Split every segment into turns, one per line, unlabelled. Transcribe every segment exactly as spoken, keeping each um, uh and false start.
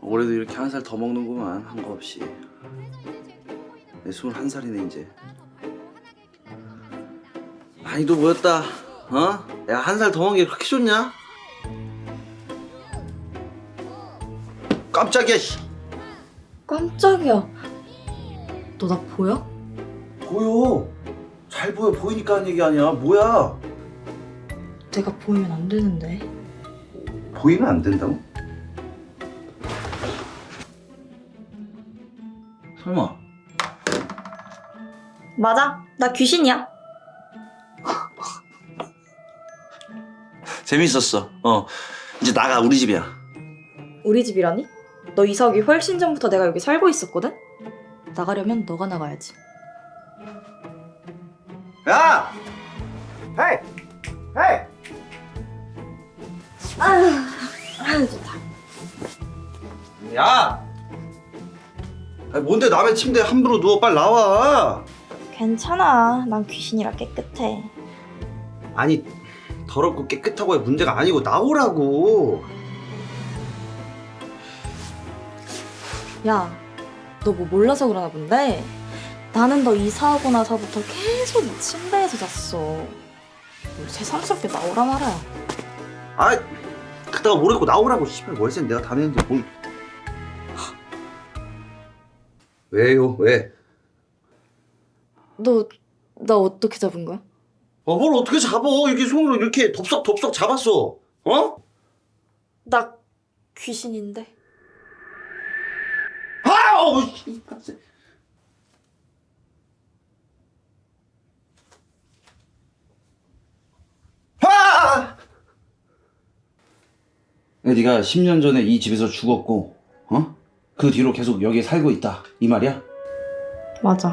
올해도 이렇게 한 살 더 먹는구만, 한 거 없이. 내 스물한 살이네 이제. 많이도 모였다. 어? 야, 한 살 더 먹는 게 그렇게 좋냐? 깜짝이야. 씨.
깜짝이야. 너 나 보여?
보여. 잘 보여. 보이니까 하는 얘기 아니야. 뭐야?
내가 보이면 안 되는데.
보이면 안 된다고? 설마.
맞아. 나 귀신이야.
재밌었어. 어. 이제 나가. 우리 집이야.
우리 집이라니? 너 이사 오기 훨씬 전부터 내가 여기 살고 있었거든? 나가려면 너가 나가야지.
야! 헤이! 헤이!
아휴, 아휴 좋다.
야! 아니, 뭔데 남의 침대에 함부로 누워. 빨리 나와.
괜찮아. 난 귀신이라 깨끗해.
아니, 더럽고 깨끗하고의 문제가 아니고 나오라고.
야, 너 뭐 몰라서 그러나 본데? 나는 너 이사하고 나서부터 계속 이 침대에서 잤어. 뭘 새삼스럽게 나오라 말아야.
아이, 그다가 모르겠고 나오라고. 씨발, 월세 내가 다 내는데 뭘. 왜요? 왜?
너, 나 어떻게 잡은 거야?
어, 뭘 어떻게 잡어? 이렇게 손으로 이렇게 덥석덥석 잡았어. 어?
나 귀신인데.
아! 어, 씨. 아! 네가 십 년 전에 이 집에서 죽었고, 어? 그 뒤로 계속 여기에 살고 있다. 이 말이야?
맞아.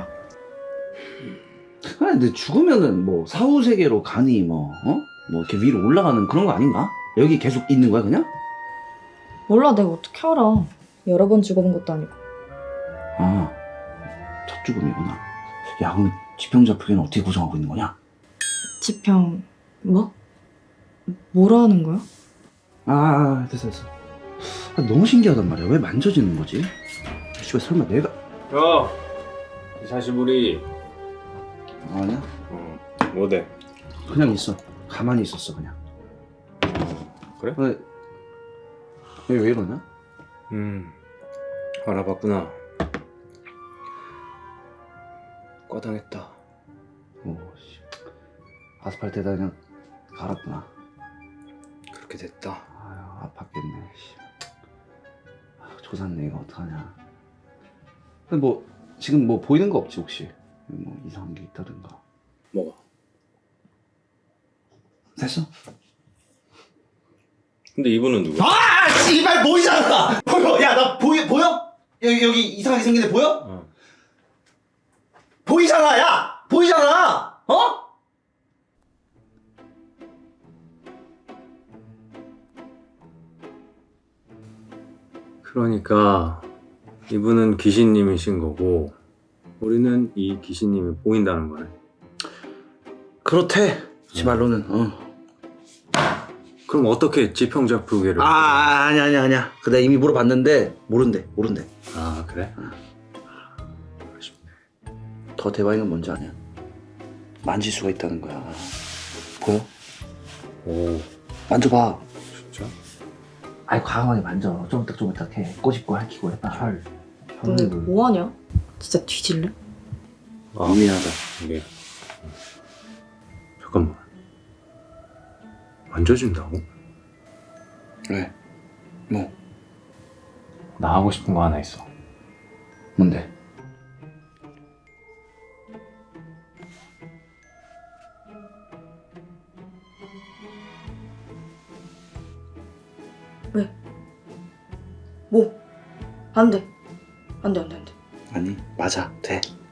아, 근데 죽으면은 뭐 사후 세계로 가니 뭐, 어? 뭐 이렇게 위로 올라가는 그런 거 아닌가? 여기 계속 있는 거야 그냥?
몰라, 내가 어떻게 알아. 여러 번 죽어본 것도 아니고.
아, 첫 죽음이구나. 야, 그럼 지평자 풀기는 어떻게 구성하고 있는 거냐?
지평, 뭐? 뭐라 하는 거야?
아, 됐어 됐어. 아, 너무 신기하단 말이야. 왜 만져지는 거지? 씨발 설마 내가...
야, 이 사시부리.
아니야?
어, 뭐대?
그냥 있어. 가만히 있었어 그냥.
그래?
왜, 왜, 왜 이러냐?
음, 알아봤구나. 과당했다.
오, 씨. 아스팔트에다 그냥 갈았구나.
그렇게 됐다.
아유, 아팠겠네. 씨. 아, 조샀네. 이거 어떡하냐. 근데 뭐 지금 뭐 보이는 거 없지 혹시? 뭐 이상한 게 있다든가.
뭐가?
됐어?
근데 이분은 누구야?
아, 씨발 보이잖아. 보여. 야, 나 보여 보여? 여기 여기 이상하게 생긴 애 보여?
어.
보이잖아. 야, 보이잖아. 어?
그러니까 이분은 귀신님이신 거고 우리는 이 귀신님이 보인다는 거네.
그렇대. 지 말로는. 어.
그럼 어떻게 지평자 풀기를?
아, 아 아니 아니 아니야. 그 내가 이미 물어봤는데 모른대. 모른대.
아 그래?
더 대박인 건 뭔지 아냐? 만질 수가 있다는 거야. 보여?
오,
만져봐.
진짜?
아이 과감하게 만져. 쪼물딱쪼물딱해. 꼬집고 핥히고 해봐. 혈.
너네 뭐하냐? 진짜 뒤질래?
아,
미안하다.
이게 잠깐만. 만져준다고?
왜? 뭐?
나 하고 싶은 거 하나 있어.
뭔데?
왜? 뭐? 안 돼. 안 돼, 안 돼, 안 돼.
아니 맞아. 돼.